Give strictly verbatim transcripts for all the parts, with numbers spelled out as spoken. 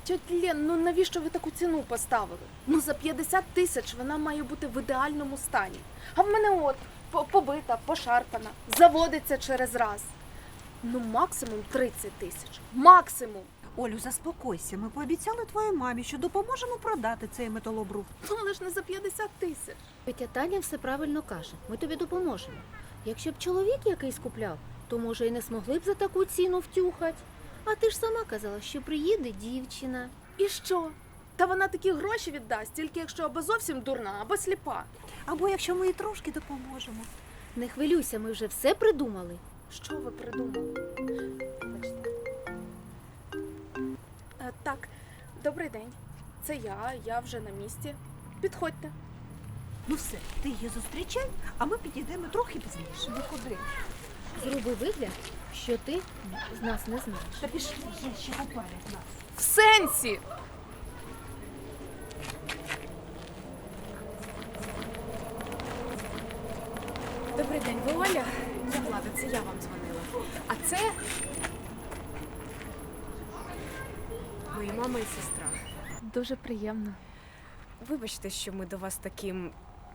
Тьоть Лен, ну навіщо ви таку ціну поставили? Ну за п'ятдесят тисяч вона має бути в ідеальному стані. А в мене от, по- побита, пошарпана, заводиться через раз. Ну максимум тридцять тисяч. Максимум. Олю, заспокойся. Ми пообіцяли твоїй мамі, що допоможемо продати цей металобрух. Ну але ж не за п'ятдесят тисяч. Тетя Таня все правильно каже. Ми тобі допоможемо. Якщо б чоловік якийсь купляв, то, може, і не змогли б за таку ціну втюхать. А ти ж сама казала, що приїде дівчина. І що? Та вона такі гроші віддасть, тільки якщо або зовсім дурна, або сліпа. Або якщо ми їй трошки допоможемо. Не хвилюйся, ми вже все придумали. Що ви придумали? Вибачте. Е, так, добрий день. Це я, я вже на місці. Підходьте. Ну все, ти її зустрічай, а ми підійдемо трохи пізніше. Ви куди? Зроби вигляд, що ти з нас не знаєш. Та пішли, є ще поперед нас. В сенсі! Добрий день, ви Оля? Я Влада, це я вам дзвонила. А це Мої мама і сестра. дуже приємно. Вибачте, що ми до вас таким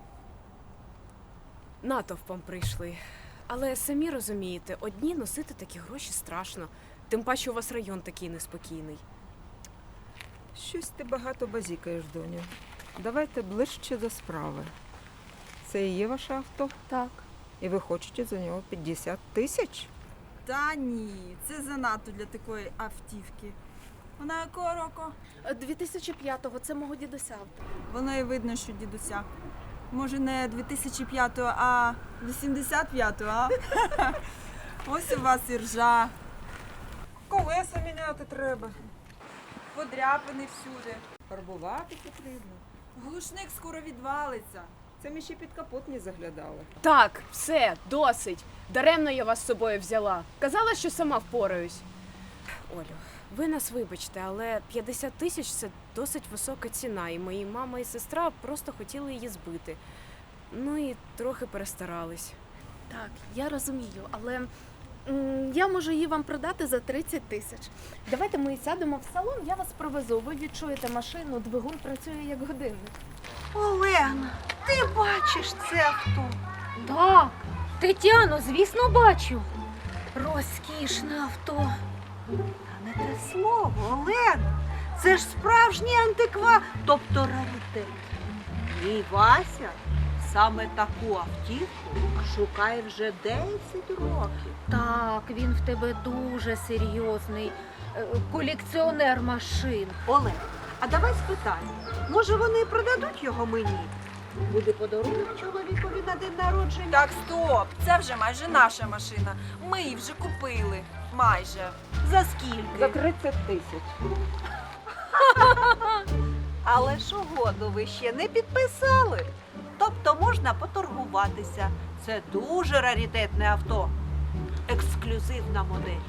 натовпом прийшли. Але самі розумієте, одні носити такі гроші страшно. Тим паче у вас район такий неспокійний. Щось ти багато базікаєш, доню. Давайте ближче до справи. Це і є ваше авто? Так. І ви хочете за нього п'ятдесят тисяч? Та ні, це занадто для такої автівки. Вона якого року? дві тисячі п'ятого, це мого дідуся авто. Воно і видно, що дідуся. Може, не дві тисячі п'ятого, а вісімдесят п'ятого, а? Ось у вас і ржа. Колеса міняти треба. Подряпини всюди. Фарбувати потрібно. Глушник скоро відвалиться. Це ми ще під капот не заглядали. Так, все, досить. Даремно я вас з собою взяла. Казала, що сама впораюсь. Олю, ви нас вибачте, але п'ятдесят тисяч – це досить висока ціна, і мої мама і сестра просто хотіли її збити. Ну і трохи перестарались. Так, я розумію, але м, я можу її вам продати за тридцять тисяч. Давайте ми сядемо в салон, я вас провезу. Ви відчуєте машину, двигун працює як годинник. Олена, ти бачиш це авто? Так, Тетяно, звісно, бачу. Розкішне авто. Та не те слово, Олена. Це ж справжній антиква, тобто раритет. Мій Вася саме таку автівку шукає вже десять років. Так, він в тебе дуже серйозний е, колекціонер машин. Олег, а давай спитаємо, може вони продадуть його мені? Буде подарунок чоловікові на день народження. Так, стоп! Це вже майже наша машина. Ми її вже купили. Майже. За скільки? За тридцять тисяч. Але ж угоду ви ще не підписали. Тобто можна поторгуватися. Це дуже раритетне авто. Ексклюзивна модель.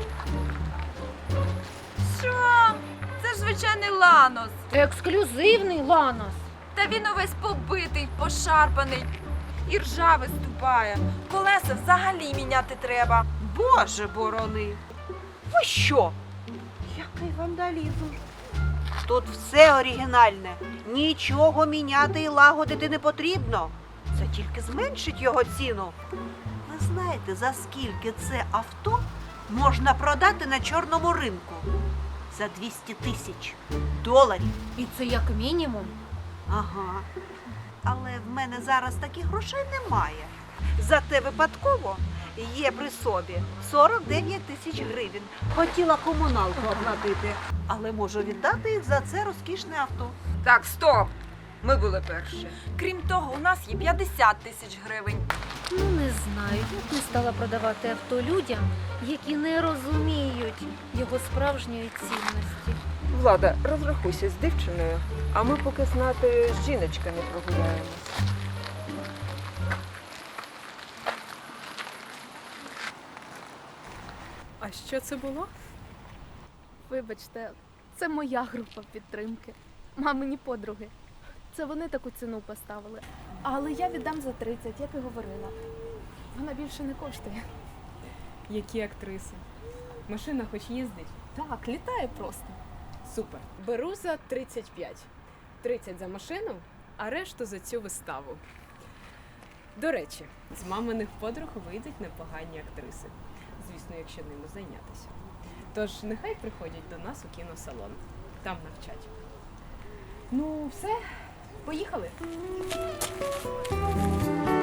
Що? Це ж звичайний Ланос. Ексклюзивний Ланос. Та він увесь побитий, пошарпаний. І ржа виступає. Колеса взагалі міняти треба. Боже борони! Ви що? Який вандалізм? Тут все оригінальне. Нічого міняти і лагодити не потрібно. Це тільки зменшить його ціну. Ви знаєте, за скільки це авто можна продати на чорному ринку? За двісті тисяч доларів. І це як мінімум. Ага. Але в мене зараз таких грошей немає. Зате випадково є при собі сорок дев'ять тисяч гривень. Хотіла комуналку оплатити, але можу віддати їх за це розкішне авто. Так, стоп! Ми були перші. Крім того, у нас є п'ятдесят тисяч гривень. Ну, не знаю, я б не стала продавати авто людям, які не розуміють його справжньої цінності. Влада, розрахуйся з дівчиною, а ми поки знати з жіночками прогуляємось. А що це було? Вибачте, це моя група підтримки. Мамині подруги. Це вони таку ціну поставили. Але я віддам за тридцять, як і говорила. Вона більше не коштує. Які актриси? Машина хоч їздить? Так, літає просто. Супер. Беру за тридцять п'ять. тридцять за машину, а решту за цю виставу. До речі, з маминих подруг вийдуть непогані актриси. Звісно, якщо ними зайнятися. Тож нехай приходять до нас у кіносалон. Там навчать. Ну, все, поїхали.